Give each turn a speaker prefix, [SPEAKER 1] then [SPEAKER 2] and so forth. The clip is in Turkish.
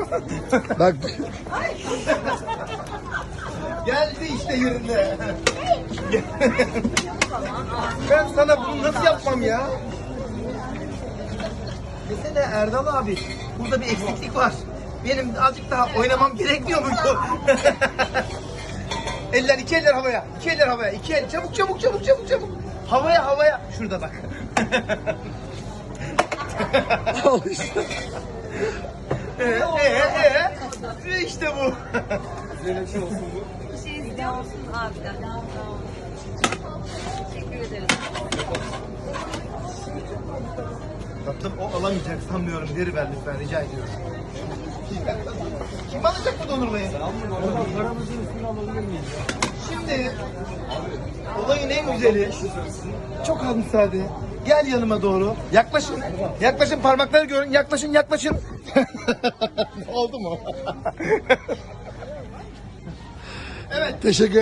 [SPEAKER 1] Bak
[SPEAKER 2] Geldi işte yerine. Ben sana bunu nasıl yapmam ya? Desene Erdal abi, burada bir eksiklik var. Benim azıcık daha oynamam gerekmiyor muydu? Eller, iki eller havaya, iki eller havaya, iki el. Çabuk, çabuk, çabuk, çabuk, çabuk. Havaya, havaya. Şurada bak.
[SPEAKER 1] al işte.
[SPEAKER 2] İşte bu.
[SPEAKER 3] Bir şey istiyor musun abiden? Teşekkür ederim.
[SPEAKER 2] Tatlım o alamayacak sanmıyorum. Geri ver lütfen, rica ediyorum. Kim alacak bu dondurmayı?
[SPEAKER 4] Paramızın üstüne alabilir miyiz?
[SPEAKER 2] Şimdi olayın en güzeli. Çok az müsaade. Gel yanıma doğru. Yaklaşın. Yaklaşın, parmakları görün. Yaklaşın, yaklaşın. Oldu mu?
[SPEAKER 1] Teşekkür